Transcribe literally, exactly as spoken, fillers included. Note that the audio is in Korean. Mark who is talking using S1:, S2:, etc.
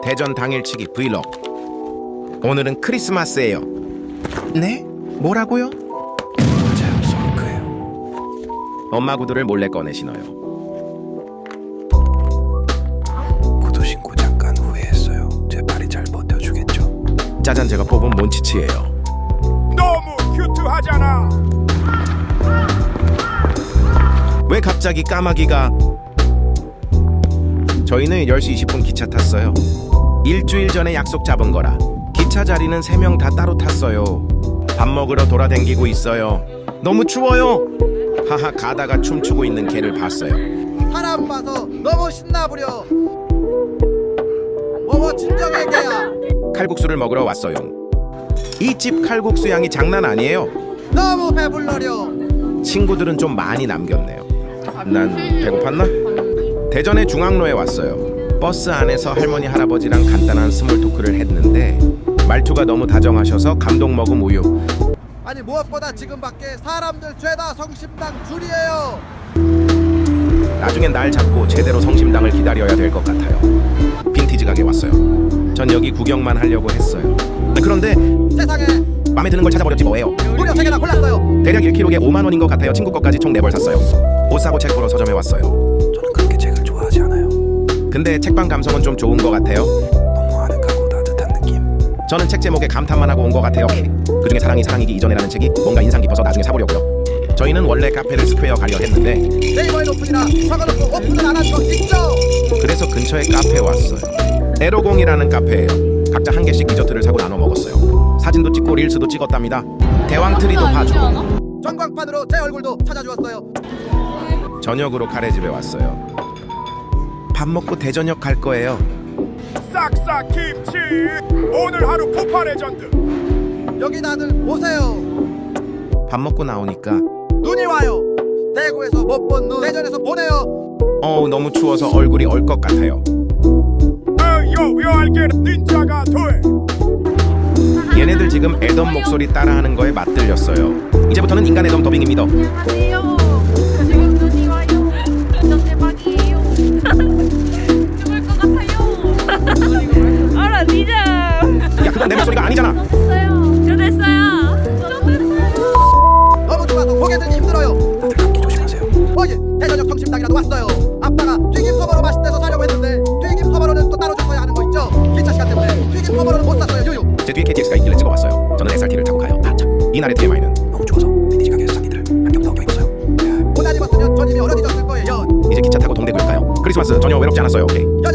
S1: 대전 당일치기 브이로그. 오늘은 크리스마스예요. 네? 뭐라고요?
S2: 맞아요, 솔크예요.
S1: 엄마 구두를 몰래 꺼내 신어요.
S2: 구두 신고 잠깐 후회했어요. 제 발이 잘 버텨주겠죠?
S1: 짜잔, 제가 뽑은 몬치치예요.
S3: 너무 큐트하잖아.
S1: 왜 갑자기 까마귀가? 저희는 열 시 이십 분 기차 탔어요. 일주일 전에 약속 잡은 거라. 기차 자리는 세 명 다 따로 탔어요. 밥 먹으러 돌아댕기고 있어요. 너무 추워요. 하하, 가다가 춤추고 있는 개를 봤어요.
S4: 사람 봐서 너무 신나부려. 뭐뭐 진정해 개야.
S1: 칼국수를 먹으러 왔어요. 이 집 칼국수 양이 장난 아니에요.
S4: 너무 배불러려.
S1: 친구들은 좀 많이 남겼네요. 난 배고팠나? 대전의 중앙로에 왔어요. 버스 안에서 할머니 할아버지랑 간단한 스몰 토크를 했는데 말투가 너무 다정하셔서 감동 먹음 우유.
S4: 아니 무엇보다 지금 밖에 사람들 죄다 성심당 줄이에요.
S1: 나중엔 날 잡고 제대로 성심당을 기다려야 될 것 같아요. 빈티지 가게 왔어요. 전 여기 구경만 하려고 했어요. 그런데
S4: 세상에
S1: 마음에 드는 걸 찾아버렸지 뭐예요.
S4: 무려 세 개나 골랐어요.
S1: 대략 일 킬로그램에 오만 원인 것 같아요. 친구 것까지 총 네 벌 샀어요. 옷 사고 책 보러 서점에 왔어요.
S2: 저는 그렇게 책을 좋아하지 않아요.
S1: 근데 책방 감성은 좀 좋은 것 같아요.
S2: 너무 아늑하고 따뜻한 느낌.
S1: 저는 책 제목에 감탄만 하고 온 것 같아요. 그중에 사랑이 사랑이기 이전에라는 책이 뭔가 인상 깊어서 나중에 사보려고요. 저희는 원래 카페를 스퀘어 가려 했는데
S4: 네이버에 오픈이라 적어놓고 오픈을 안 한 거 있죠?
S1: 그래서 근처에 카페에 왔어요. 에로공이라는 카페예요. 각자 한 개씩 디저트를 사고 나눠 먹었어요. 사진도 찍고 릴스도 찍었답니다. 대왕트리도 봐주고
S4: 전광판으로 제 얼굴도 찾아주었어요.
S1: 저녁으로 카레집에 왔어요. 밥 먹고 대전역 갈 거예요.
S3: 싹싹 김치. 오늘 하루 폭파 레전드.
S4: 여기 다들 오세요.
S1: 밥 먹고 나오니까
S4: 눈이 와요. 대구에서 못 본 눈 대전에서 보내요.
S1: 어우, 너무 추워서 얼굴이 얼 것 같아요.
S3: 어여 묘알게는 닌자가 돼.
S1: 얘네들 지금 애덤 목소리 따라하는 거에 맛들렸어요. 이제부터는 인간 애덤 더빙입니다.
S5: 안녕하세요. 지금 눈이 와요. 진짜 대박이에요. 죽을 것 같아요. 알아, 니자.
S1: 야, 그건 내 목소리가 아니잖아.
S5: 됐어요. 저 됐어요. 저 됐어요.
S4: 너무 좋아서 고개 들기 힘들어요.
S2: 다들 감기 조심하세요.
S4: 어제 대전역 성심당이라도 왔어요. 아빠가 튀김 소보로 맛있대서 사려고 했는데 튀김 소보로는 또 따로 줬어야 하는 거 있죠? 기차 시간 때문에 튀김 소보로는 못 샀어요. 유유.
S1: 제 뒤에 케이티엑스가 있길래 찍어봤어요. 저는 에스알티를 타고 가요. 아, 참. 이날의 티엠아이는
S2: 너무 추워서 빈티지 가게에서 산 니들 안경 더 껴입었어요.
S4: 옷 안 입었으면 전 이미 얼어지졌을 거예요.
S1: 이제 기차 타고 동대구에 가요. 크리스마스 전혀 외롭지 않았어요. 오케이.
S4: 연